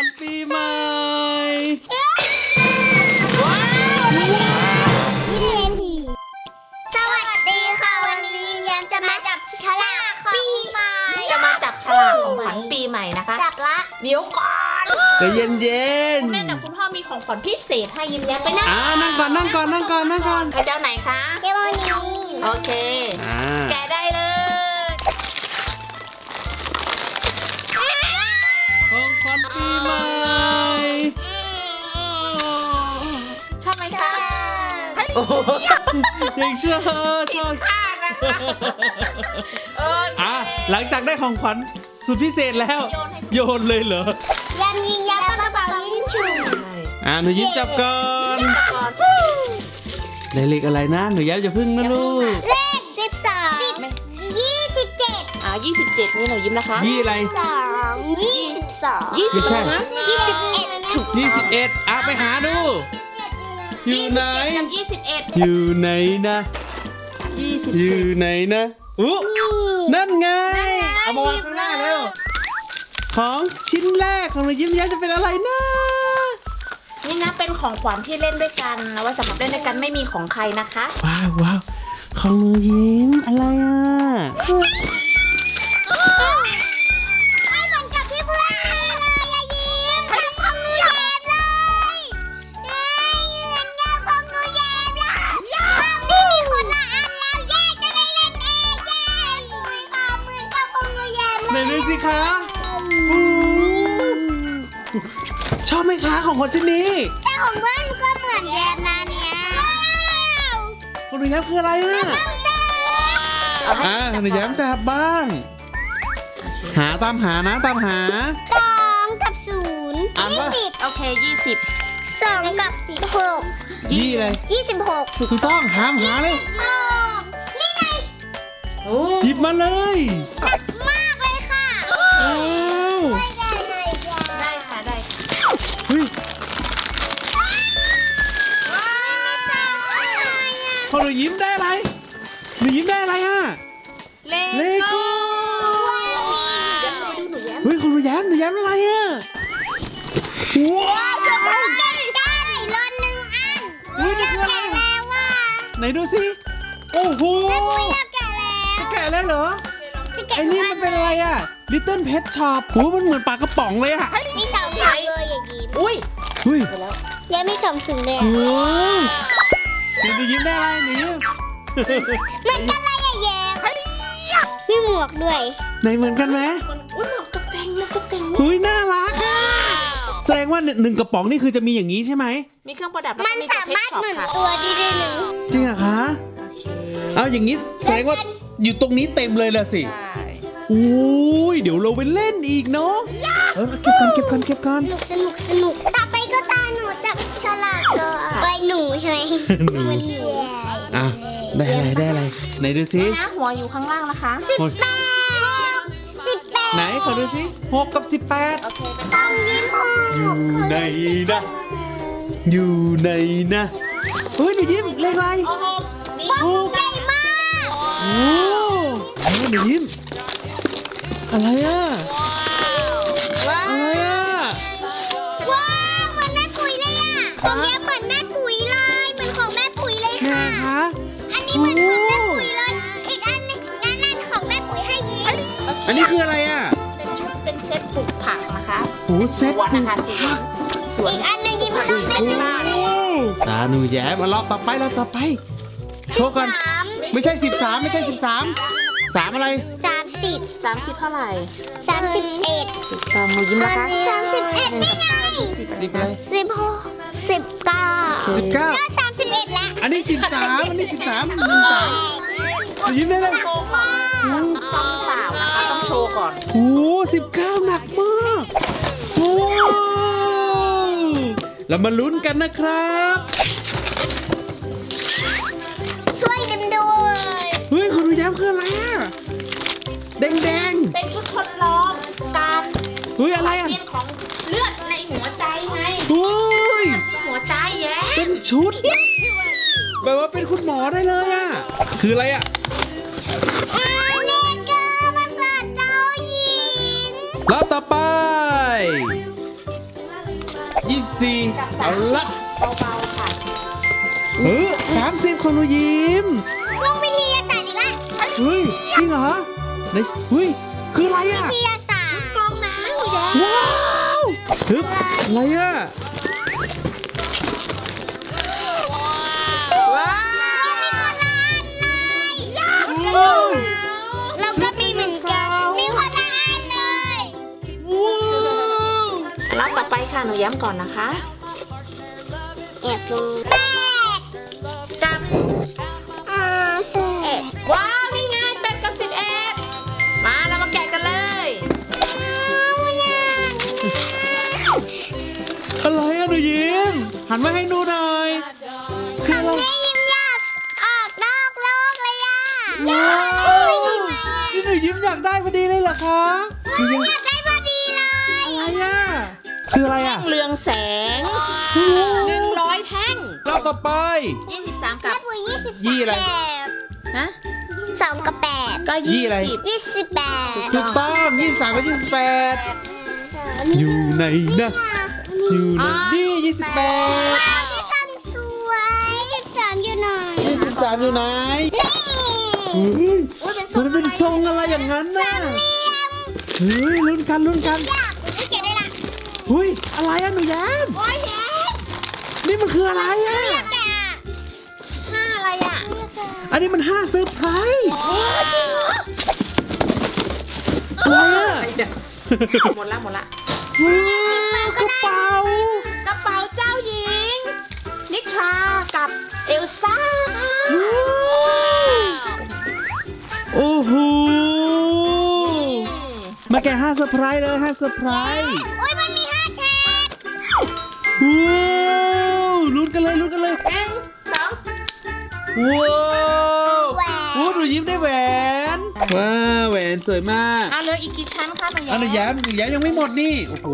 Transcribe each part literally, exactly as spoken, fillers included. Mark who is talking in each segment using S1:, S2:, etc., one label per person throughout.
S1: ญปีใหม่
S2: สวัสดีค่ะวันนี้ยิ้มแย้มจะมาจับฉลากของปีใหม่
S3: จะมาจับฉลากของขวัญปีใหม่นะคะ
S2: จับละ
S3: เดี๋ยวก่อน
S1: ใจเย็นเย็น
S3: คุณแม่กับคุณพ่อมีของขวัญพิเศษให้ยิ้มแย้มไปนะ
S1: อ่านั่งก่อนนั่งก่อนนั่งก่อนนั่งก่อน
S3: ใครเจ้าไหนคะ
S2: เกมนี้
S3: โอเค
S1: อ่า
S3: แกะได้เลย
S1: ของขวัญปีใหม่
S3: ชอบไหมคะ
S1: โอ้ยังชอบชอบ
S3: พลาดนะคะโอเค
S1: อ่ะหลังจากได้ของขวัญสุดพิเศษแล้วโยนเลยเหรอ
S2: ยันยิงยันกระเป๋ายิงฉุน
S1: อ่าหนูยิ้มจับก่อน
S3: จับก่อน
S1: ได้เลขอะไรนะหนูย้มจะพึ่งนะลูก
S2: เลขสิบสองยี่สิบเจ็ด
S3: อ่ายี่สิบเจ็ดนี่หนูยิ้มนะคะ
S1: ยี่อะไร
S2: สองยี่สิบสอง
S3: ยี่สิบ
S1: ไม่ใช่
S3: นะ
S2: ยี่สิบเอ็ดถูก
S1: ยี่สิบเอ็ดอ่ะไปหาดู อยู่
S3: ยี่
S1: ไห
S3: สิ
S1: น
S3: บเจ็ดกับยี่สิบเอ็ด
S1: อยู่ไหนนะ
S3: ยี่สิบ
S1: อ
S3: เจ็
S1: ยู่
S3: ด
S1: ไหนนะอุ๊นั่นไง เอามาวางข้างหน้าเร็ว ของชิ้นแรกของหนูยิ้มแย้มจะเป็นอะไรนะ
S3: นี่นะเป็นของขวัญที่เล่นด้วยกันเอาไว้สำหรับเล่นด้วยกันไม่มีของใครนะคะ
S1: ว้าวว้าวของหนูยิ้มอะไรอ่ะ
S2: ไม่เหมือนกับที่เพื่อนเลยอย่ายิ้มจับของหนูแย้มเลยเอ้ยเหมือนกับของหนูแย้มเลยนี่มีคนละอันแล้วแยกจะได้เล่นเองแยกเหมือนกับเหมือนกับของหนูแย้มเล
S1: ไหน
S2: ย
S1: ดูสิคะโอ้ชอบไหมคะของคนชิ้นนี้
S2: แต่ของเพื่อนก็เหมือนแย้มนะเนี่ยว้าว
S1: ของหนูแย้มคืออะไรอ่ะ
S3: เอาให้
S1: อ่า
S3: จับ
S1: หนู
S3: ก่
S1: แย้
S3: อน
S1: มจับบ้าง หาตามหานะตามหา
S2: สองกับศูนย์
S1: อ่านว่า
S2: ยี่สิบ
S3: โอเคยี่สิบ
S2: สองกับหก
S1: ยี่อะไร
S2: ยี่สิบหก
S1: ถูกต้องหามหาเลย
S2: หกนี่ไง
S3: โอ้
S1: หยิบมาเลย
S2: หนักมากเลยค่ะ
S1: อ้าว
S2: ไม่ได้เลยจ้ะ
S3: ได้ค่ะได้
S1: เฮ้ย
S2: ว้าวอะไรอ่ะ
S1: พอหนูยิ้มได้อะไรหนูยิ้มได้อะไรอ่ะ
S3: เล
S1: เลโก้
S3: เดี๋ยวเราไปดูหนูแย้ม
S1: เฮ้ยของหนูแย้มหนูแย้มอะไรอ่ะว้าว
S2: ได้ได้รถหนึ่งอัน
S1: อุ้ยนี่คืออะไร
S2: แกะแล้วว่ะ
S1: ไหนดูสิโอ้โห
S2: อยากแกะแล้ว
S1: จะแกะแล้วเหรอ
S2: จะแกะ
S1: ไอ้นี่มันเป็นอะไรอ่ะ Little Pet Shop โอ้มันเหมือนปลากระป๋องเลยอ่ะ
S2: มีสองถุงเลยอย่ายิ้ม
S3: อุ้ย
S1: เฮ้ย
S3: ไปแล้ว
S2: ยังมีสองถุงเลย
S1: โอ้
S2: อ่ะ
S1: เดี๋ยวหนูยิ้มได้อะไรหนูยิ้ม
S2: มันก็อะไรอ่ะแย้มมีหมวกด้วย
S1: ไหนเหมือนกันไหม
S3: คนอุ้ยหมวกตกแต่งหมวกตกแต่ง
S1: เฮ้ยน่ารักอ่ะแสดงว่าหนึ่งกระป๋องนี่คือจะมีอย่างนี้ใช่ไหม
S3: มีเครื่องประดับแล้ว
S2: มั
S3: ก็
S2: น
S3: มี
S2: สามารถหมุน
S3: ค่ะ
S2: ตัวได้ด้วยนะ
S1: จริงเหรอคะ
S3: โอเค
S1: เอาอย่างนี้แสดงว่าอยู่ตรงนี้เต็มเลยละสิ
S3: ใช่
S1: โอ้ยเดี๋ยวเราไปเล่นอีกเนาะเออเก็บกันเก็บกันเก็บกัน
S2: สนุกสนุกสนุกต่อไปก็ตาหนูจับฉลากเลยไปหนูใช่ไหมเหมือนหนู
S1: อ่ะได้อะไรได้อะไรไหนดูสิ
S3: นี่นะหัวอยู่ข้างล่างนะคะ
S2: สิบแปดสิบแปด
S1: ไหนขอดูสิหกกับสิบแปด
S3: โอเคไป
S2: สองยิ้มหก
S1: อยู่ไหนนะอยู่ไหนนะเฮ้ยหนูยิ้มเลขอะไร
S3: โอ้โหนี่
S1: หก
S2: ใหญ่มาก
S1: โอ้เอ้ยหนูยิ้มอะไรอ่ะ
S3: ว้า
S1: อะไรอ่ะ
S2: ว้าวเหมือนแม่ปุ๋ยเลยอ่ะของแกเหมือนแม่ปุ๋ยเลยเหมือนของแม่ปุ๋ยเลย
S1: แม่
S2: ค่ะ
S1: คะ
S2: อันนี้เหมือนของแม่ปุ๋ยเลย อีกอันนึงนั่นนั่นของแม่ปุ๋ยให้ยิ้ม
S1: อันนี้คืออะไรอ่ะ
S3: เป็นชุดเป็นเซตปลูกผักนะคะ
S1: โอ้เซ็
S3: ส
S1: ต
S3: วนนะคะสวนสวน
S2: อีกอันนึงยิ้มต้องได้
S1: โอ้ตาหนูแย้มมารอบต่อไปรอบต่อไปโชว์กัน
S2: สาม
S1: ไม่ใช่สิบสามไม่ใช่สิบสามสามอะไร
S2: สามสิบ
S3: สามสิบเท่าไหร่
S2: สามสิบเอ็ด
S3: ตามหนูยิ้มนะคะ
S2: สามสิบเอ็ดนี่ไง
S3: สิบ
S1: นี่อะไร
S2: สิบหกสิบเก้า
S1: สิบเก้า
S2: ก็สามสิบเอ็ดแล้ว
S1: อันนี้สิบสามอันนี้สิบสามหนึ่งสามยิ้มได้เลย
S3: โชว์ก่อนต้องเปล่านะคะต้องโชว์ก่อน
S1: โอ้สิบเก้าหนักมากโอ้เรามาลุ้นกันนะครับ
S2: ช่วยกันด้วย
S1: เฮ้ยคุณดูย้ำคืออะไรอ่ะแดงแดง
S3: เป็นชุดทดลองการ
S1: เฮ้ยอะไรอ่ะ
S3: เปลี่ยนของเลือดในหัวใจไง
S1: เฮ้ย
S3: ที่หัวใจแย่
S1: เป็นชุดแบบว่าเป็นคุณหมอได้เลยอ่ะคืออะไรอ่ะ
S2: อันนี้ก็ภาษาเจ้าหญิง
S1: แล้วต่อไปยี่สิบสี่
S3: กับสา
S1: เอา
S3: มสิ
S1: ละ
S3: บเบาๆค่ะ
S1: เออสามสิบของหนูยิ้ม
S2: ลงวิทยาศาสตร์อีกแล้ว
S1: เฮ้ยจริงเหรอไหนเฮ้ยคืออะไรอ่ะ
S2: วิทยาศาสตร์
S3: กองน้ำหนูแย้ม
S1: ว้าวฮึบอะไรอ่ะ
S3: ว้าว
S1: โอ้ย
S2: เราก็มีเหมือนกันมีคนละอันเลย
S1: ว้าว
S3: แล้วต่อไปค่ะหนูย้ำก่อนนะคะ
S2: แอบดูแปด
S3: กับ
S2: อ่าสิบ
S3: ว้าวนี่ไงแปดกับสิบเอ็ดมาเรามาแกะกันเลย
S1: อะไรอ่ะหนูยิ้มหันมาให้ดูหน่อยคืออะไร
S2: แม่ยิ้มอยากออกนอกโลกเลยอ่ะ
S1: ว้าวนี่หนูยิ้มอยากได้พอดีเลยเหรอคะหนูยิ้ม
S2: อยากได้พอดีเลย
S1: อะไรอ่ะคืออะไรอ่ะ
S3: เรืองแสงหนึ่งร้อยแท่ง
S1: รอบต่อไป
S3: ยี่สิบสามกั
S2: แม่
S3: บ
S2: ปุ๋ยยี่สิบ
S1: ยี่อะไร
S2: แปด
S3: ฮะ
S2: สองกับแปด
S3: ก็
S1: ยี่
S3: ยี่
S1: อะไร
S3: สิบ
S2: ยี่สิบแปด
S1: ถูกต้องยี่สิบสามกับยี่สิบแปดอยู่ไหนนะอยู่ไหนนี่ยี่สิบแปด
S2: ว้าวที่ทำสวยยี่สิบสามอยู่ไหน
S1: ยี่สิบสามอยู่ไหน
S2: นี่
S1: เฮ้ย
S3: อุ้ยเป็นทร
S1: มันเป็นทรงอะไรอย่างนั้นน่ะเฮ้ยลุ้นกันลุ้นกัน
S2: อยากปุ๋ยเก็บได้ละ
S1: เฮ้ยอะไรอ่ะหนูแย้ม
S2: โอ้ยเย้
S1: นี่มันคืออะไรอ่ะ
S2: อยากแกะ
S3: ห้าอะไรอ่ะ
S1: อันนี้มันห้าเซอร์ไพรส์
S3: โอ้จริงเหรอ
S1: อะไรอ่ะ
S3: หมดละหมดละ
S1: ว้าวกระเป๋าก
S3: ระเป๋าเจ้าหญิง นิทรากับเอลซ่าค่ะ
S1: โอ้โห
S3: นี่
S1: มาแกะห้าเซอร์ไพรส์เลยห้าเซอร์ไพรส์
S2: โอ้ยมันมีห้าแฉก
S1: ว้าวลุ้นกันเลยลุ้นกันเลย
S3: หนึ่งสอง
S1: ว้าว
S2: แหวน
S1: โอ้หนูยิ้มได้แหวน ว้าวแหวนสวยมาก
S3: อ่ะเหลืออีกกี่ชั้นคะหนู
S1: อันหนู
S3: แย้
S1: แย้
S3: ม
S1: มหนูแย้มยังไม่หมดนี่ โอ้โห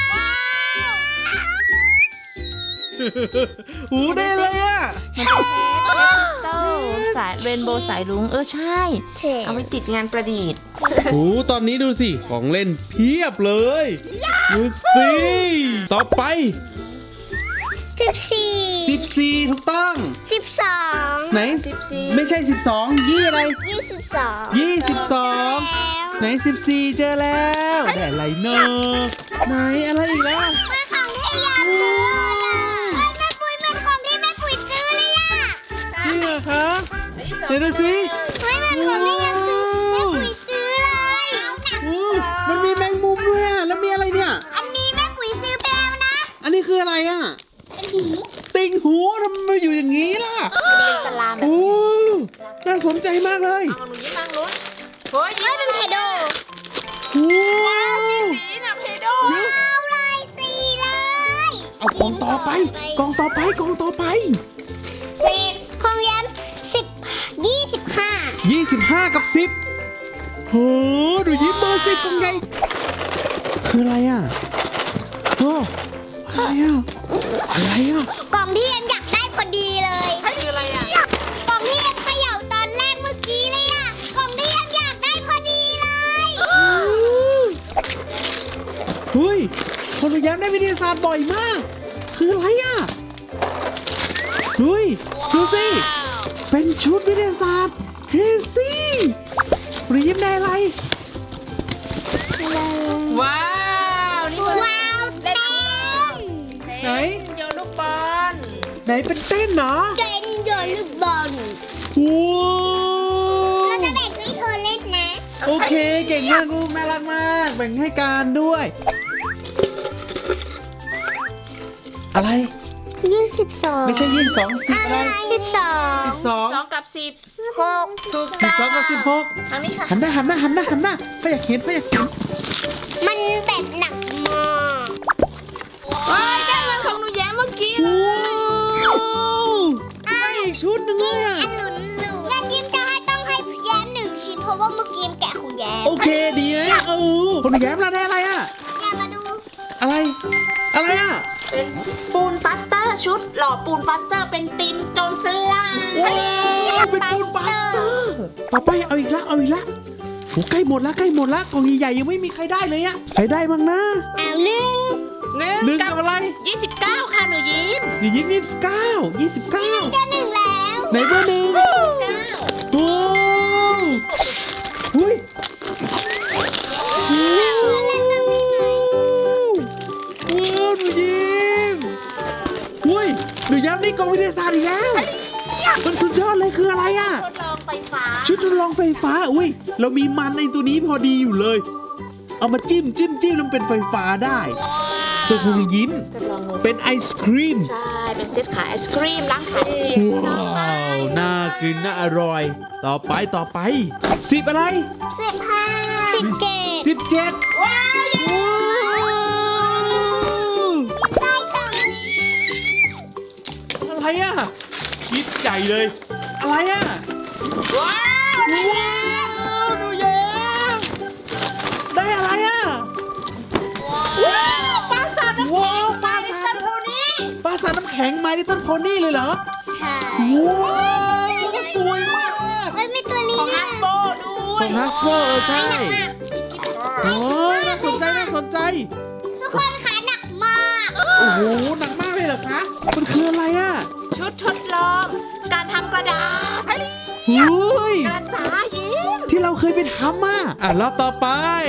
S1: โอ้ได้เลยอ่ะ
S3: มันเป็นเพชรคริสตัลสายเรนโบว์สายลุงเออใช่
S2: เฉก
S3: เอาไว้ติดงานประดิษฐ์
S1: โอ้ตอนนี้ดูสิ ของเล่นเพียบเลย ดูสิ ต่อไป
S2: สิบสี่
S1: สิบสี่ถูกต้อง
S2: สิบสอง
S1: ไหน
S3: สิบสี่
S1: ไม่ใช่สิบสองยี่อะไร
S2: ยี่สิบสอง
S1: ยี่สิบสอง
S2: แล้ว
S1: ไหนสิบสี่เจอแล้วได้อะไรเนอะไหนอะไรอีกแล้ว
S2: เป็นของที่อยากซื้อเลยเฮ้ยแม่ปุ้ยเป็นของที่แม่ปุ้ยซื้อเลยอ่ะ
S1: จริงเหรอคะเดี๋ยวดูสิ
S2: เฮ้ยมันของที่อยากซื้อแม่ปุ้ยซื้อเลยเอาหนัก
S1: โอ้มันมีแมงมุมด้วยอะแล้วมีอะไรเนี่ย
S2: อันนี้แม่ปุ้ยซื้อไปแล้วนะ
S1: อันนี้คืออะไรอ่ะ ติ่งหูทำไมมาอยู่อย่างนี้ล่ะ
S3: เป็นสลามแบบ
S1: โอ้
S3: นี้
S1: น่าสนใจมากเลย
S3: เอาหนูยิ้มนั่งลุ้นเฮ้ย
S2: เฮ้ยเป็นเพโด
S1: ว้าว
S3: สีนะเพโด
S2: เอาลายสีเลย
S1: เอากล่องต่อไปกล่องต่อไปกล่องต่อไป
S3: สิบ
S2: ของแย้มสิบยี่สิบห้า
S1: ยี่สิบห้ากับสิบโหดูยิ้มเบอร์สิบกล่องใหญ่คืออะไรอ่ะโอ้อะไรอ่ะอะไรอ่ะ
S2: กล่องที่แย้มอยากได้พอดีเลย
S3: คืออะไรอ่ะ
S2: กล่องที่แย้มเขย่าตอนแรกเมื่อกี้เลยอ่ะกล่องที่แย้มอยากได้พอดีเลย
S1: เฮ้ยคนพยายามได้วิทยาศาสตร์บ่อยมาก คืออะไรอ่ะเฮ้ยดูสิเป็นชุดวิทยาศาสตร์เฮซี่หรือยิ้มได้อะไร
S3: ว้าวนี่มัน
S2: ว้าวเต็ม
S1: ไหน
S3: โยนลูกบอล
S1: ไหนเป็นเต้นเหรอ
S2: เต็มโยนลูกบอล
S1: ว้า
S2: เรา
S1: ว
S2: จะแบ่งให้เธอเล่นนะ
S1: โอเคเก่งมากลูกน่ารักมากแบ่งให้การด้วย อะไร
S2: ยี่สิบสอง
S1: ไม่ใช่ยี่สิบสองสิบอะไร
S2: สิบสอง
S1: สิบสอง
S3: สองกับสิบ
S2: หก
S3: ถูก
S1: สิ
S3: ต้
S1: บ
S3: อง
S1: สองกับสิบหก
S3: ทางนี้ค่ะ
S1: หันหน้าหันหน้าหันหน้าหันหน้าไม่อยากเห็นไม่อยากเห็น
S2: มันแบบหนักมาก
S3: เฮ้ยได้เหมือนของหนูแย้มเมื่อกี้เลย
S1: ว้าวได้อีกชุดหนึ่งเลยอ่ะ
S2: อันหลุนหลุนแม่ยิ้มจะให้ต้องให้แย้มหนึ่งชิ้นเพราะว่าเมื่อกี้แกะของแย้ม
S1: โอเคดีไหมโอ้คนแย้มเราได้อะไรอ่ะ
S2: อย่ามาดู
S1: อะไร อะไรอ่ะ
S3: เป็นปูนปลาสเตอร์ชุดหล่อปูนปลาสเตอร์เป็นติมโจรสลัด
S1: ว้าวเป็นปูนบัสเตอร์ต่อไปเอาอีกละเอาอีกละโหใกล้หมดละใกล้หมดละกล่องใหญ่ๆยังไม่มีใครได้เลยอะใครได้บ้างนะ
S2: เอาหนึ่ง
S3: หนึ่ง
S1: หนึ่ง
S3: กั
S1: กับบ อะไร
S3: ยี่สิบเก้าค่ะหนูยิ้ม
S1: หนูยิ้มยี่สิบเก้ายี่สิบเก้า
S2: เจอหนึ่งแล้ว
S1: ไหนเบอร์หนึ่ง
S3: เก้า
S1: โอ้หุ้ย
S2: แบบเพื่อนเล่นแบบนี้ไหม
S1: โอ้หนูยิ้มหุ้ยหนูย้ำได้กองวิทยาศาสตร์อีกแล้วมันสุดยอดเลยคืออะไรอ่ะ
S3: ทดลองไฟฟ้า
S1: ชุดทดลองไฟฟ้า อุ้ย เรามีมันในตัวนี้พอดีอยู่เลย เอามาจิ้มจิ้มจิ้มแล้วมันเป็นไฟฟ้าได้ ส่วนคุณยิ้ม
S3: ทดลองงู
S1: เป็นไอศครีม
S3: ใช่ เป็นเซตขายไอศครีมล้างขายไอศครีม
S1: ว้าว น่ากิน น่าอร่อย ต่อไปต่อไปสิบอะไร
S2: สิบห้าสิบเจ็ด
S1: สิบเจ็ด
S3: ว้าว
S1: ว้าว
S2: ได้กล่อง
S1: อะไรอ่ะ คิดใหญ่เลย อะไรอ่ะ
S3: ว้าว
S1: ว้าวหนูแย้มได้อะไรอ่ะ
S3: ว้าวปลาสาดน้ำ
S1: ว้า
S3: แข็
S1: ว
S3: ง
S1: ปลา
S3: ลิต
S1: สา
S3: เติ้
S1: ด
S3: ลโพนี่
S1: ปลาสาดน้ำแข็งมาลิตเติ้ลโพนี่เลยเหรอ
S2: ใช่
S1: ว้าวสวยมาก
S2: เอ้ยมีตัวนี้
S3: ของ
S2: ด้ว
S3: ฮั
S2: ย
S3: สโบด้ว
S1: ข
S3: ย
S1: องฮัสโบเออใช่ โอ้ยน่าสนใจน่าสนใจ
S2: ทุกคนขาหนักมาก
S1: โอ้โห หนักมากเลยเหรอคะ มันคืออะไรอ่ะ
S3: ชุดทดลอง การทำกระดาษ
S1: เฮ้ย
S3: กระสายิ้ม
S1: ที่เราเคยไปทำอ่ะ อ่ะรอบต่อไป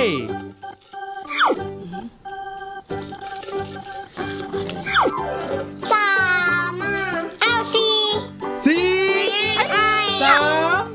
S2: สามอ่ะเอาสี่
S1: สี่
S2: ไอ้
S1: สาม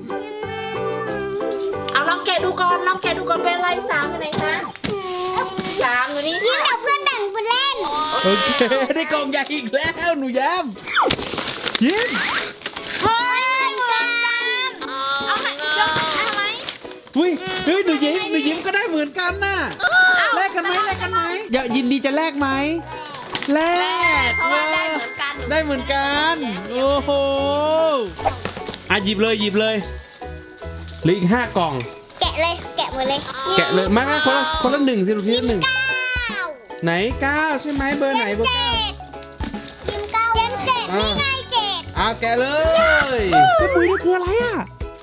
S3: เอาลองแกะดูก่อน ลองแกะดูก่อนเป็นอะไรสามเป็นไหนคะสามอยู่นี่
S2: ยิ้ม
S3: ค่ะ
S2: เอาเพื่อนแบ่งไปเล่น
S1: โอเค ได้กล่องใหญ่อีกแล้วหนูแย้มยิ้ม
S3: เฮ้ยเหมือนกันเอาไหนยกเอาไหม
S1: อุ้ยเฮ้ยหนูยิ้มหนูยิ้มก็ได้เหมือนกันน่ะ แลกกันไหมแลกกันไหมอย่ายินดีจะแลกไหมแลก
S3: เพราะว่าได้เหมือนกัน
S1: ได้เหมือนกัน โอ้โห อ่ะหยิบเลยหยิบเลยเหลืออีกห้ากล่อง
S2: แกะเลยแกะหมดเลย
S1: แกะเลยไม่ไม่คนละคนละหนึ่งสิลูกทีละหนึ่ง
S2: เก้า
S1: ไหนเก้าใช่ไหมเบอร์ไหนเบอร์
S2: เจ็
S1: เก้า
S2: ดยิ้มเก้ายิ้มเจ็ดนี่ไงเจ็ด
S1: อ่ะแกะเลยเฮ้ยปุ๋ยนี่คืออะไรอ่ะ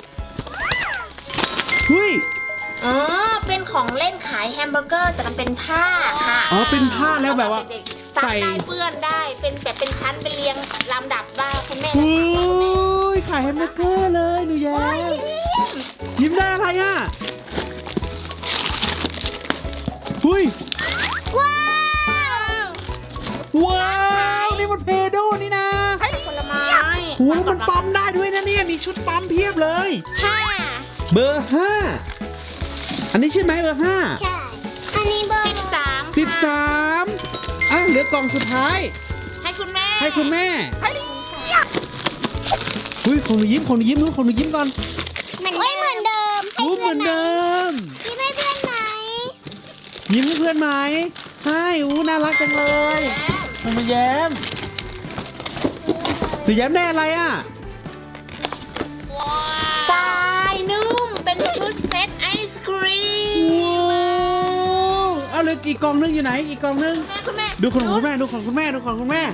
S1: เฮ้ย
S3: อ๋อ เป็นของเล่นขายแฮมเบอร์เกอร์แต่มันเป็นผ้าค่ะ
S1: อ๋อเป็นผ้าแล้วแบบว่า
S3: เด็กๆซัก
S1: ใส่
S3: ได้เปื้อนได้ เป็นแบบเป็นชั้นเป็นเรียงลำดับว่าคุณแม่
S1: โอ้ยขายแฮมเบอร์เกอร์เลยหนูแย้มยิ้มได้อะไรอ่ะเฮ้ย
S2: ว้าว
S1: ว้าวนี่มันเพโดนี่นะ
S3: ผลไม้
S1: โอ้มันปั๊มได้ด้วยนะเนี่ยมีชุดปั๊มเพียบเลย
S2: ห้า
S1: เบอร์ห้าอันนี้ใช่ไหมเบอร์ห้า
S2: ใช่ อันนี้เบอร์
S3: สิบสาม
S1: สิบสามอ่ะเหลือกล่องสุดท้าย
S3: ให้คุณแม่
S1: ให้คุณแม่เฮ้ยของหนูยิ้มของหนูยิ้มนู้นของหนูยิ้มก่อน
S2: เหมือนเหมือนเดิม
S1: รู้เหมือนเดิม
S2: ยิ้มให้เพื่อนไหม
S1: ยิ้มให้เพื่อนไหมให้อู้น่ารักจังเลยหนูมาแย้มหนูแย้มได้อะไรอ่ะ
S3: ทรายนุ่ม เป็นชุดเซตไอศครีม
S1: ว้าวเอาเหลยอีกกล่องนึงอยู่ไหนอีกกล่องนึง
S3: แม่คุณแม่
S1: ดูของคุณแม่ดูของคุณแม่ดูของคุณแม่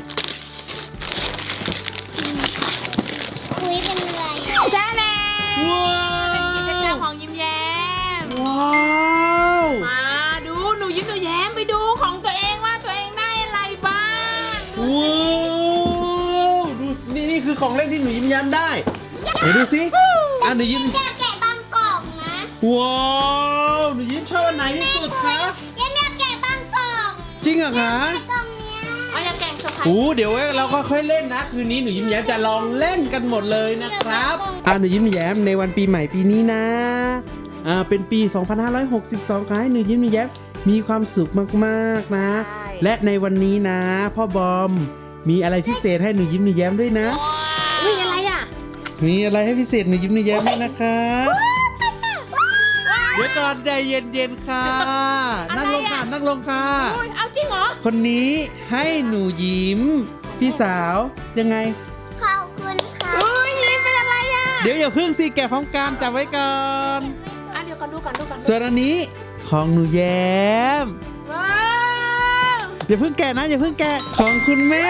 S2: คุยเป็นอะไร
S3: ใช่แล้ว
S1: ว้า
S3: เป็นกิจกรรม
S1: ว
S3: ของยิ้มแย้ม
S1: ว้าว
S3: มาดูหนูยิ้มหนูแย้มไปดูของตัวเองว่าตัวเองได้อะไรบ้างดู
S1: ว้าวดูนี่นี่คือของเล่นที่หนูยิ้มแย้มได้ไหนดูสิอ่ะหนูยิ้ม
S2: อยากแกะบางกล่องนะ
S1: ว้าวหนูยิ้มชอบอันไหนที่สุดคะ
S2: ยังอยากแกะบางกล่อง
S1: จริงเหรอคะ
S2: กล่องเนี้ย
S3: เอาอย่าแกล้งเซอร์ไพรส์
S1: โอ้เดี๋ยวเราก็ค่อยเล่นนะ คืนนี้หนูยิ้มแย้มจะลองเล่นกันหมดเลยนะครับอ่ะหนูยิ้มแย้มในวันปีใหม่ปีนี้นะอ่าเป็นปี สองพันห้าร้อยหกสิบสองขอให้หนูยิ้มแย้มมีความสุขมากๆนะ และในวันนี้นะพ่อบอมมีอะไรพิเศษให้หนูยิ้มหนูแย้มด้วยนะ
S3: อุ้ยอะไรอ่ะ
S1: มีอะไรให้พิเศษหนูยิ้มหนูแย้มด้วยนะครับเดี๋ยวก่อนใจเย็นๆค่ะ นั่งลงค่ะนั่งลงค่ะ
S3: อุ้ยเอาจริงเหรอ
S1: คนนี้ให้หนูยิ้ม พี่สาวยังไง
S2: ขอบคุณค่ะ
S3: อุ้ยยิ้มเป็นอะไรอ่ะ
S1: เดี๋ยวอย่าเพิ่งสิแกะพร้อมกันจับไว้ก่อน
S3: อ่ะเดี๋ยวก่อนดูก่อนดูก่อน
S1: ส่วนอันนี้ของหนูแย้ม
S3: ว้าว
S1: อย่าเพิ่งแกะนะอย่าเพิ่งแกะของคุณแม่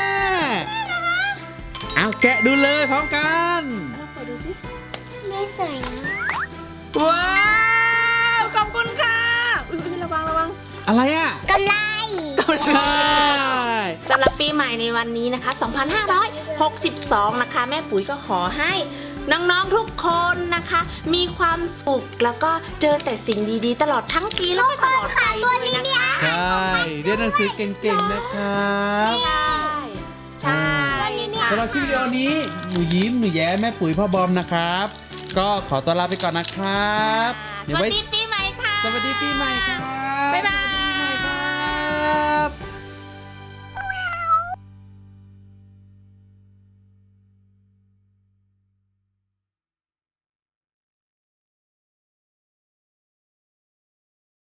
S1: เอาแกะดูเลยพร้อมกัน
S3: ลองเปิดดูสิ
S2: ไม่สวยนะ
S3: ว้าวขอบคุณค่ะอุ้ยอุ๊ยระวังระวัง
S1: อะไรอ่ะ
S2: กำไร
S1: ใช่
S3: สำหรับปีใหม่ในวันนี้นะคะ สองพันห้าร้อยหกสิบสอง นะคะ แม่ปุ๋ยก็ขอให้น้องๆทุกคนนะคะ มีความสุขแล้วก็เจอแต่สิ่งดีๆ ตลอดทั้งปีแล้วก็ตลอดไปด้วยนะคะ
S1: ใช่เรียนหนังสือเก่งๆนะครับ
S3: ใช่ใช่ค่ะ
S1: สำหรับคลิปวิดีโอนี้หนูยิ้มหนูแย้แม่ปุ๋ยพ่อบอมนะครับ ก็ขอตัวลาไปก่อนนะครับ
S3: ส
S1: เดี๋ยว
S3: วัส
S1: ไว้
S3: ดีปีใหม่ค่ะ
S1: สวัสดีปีใหม่ครับ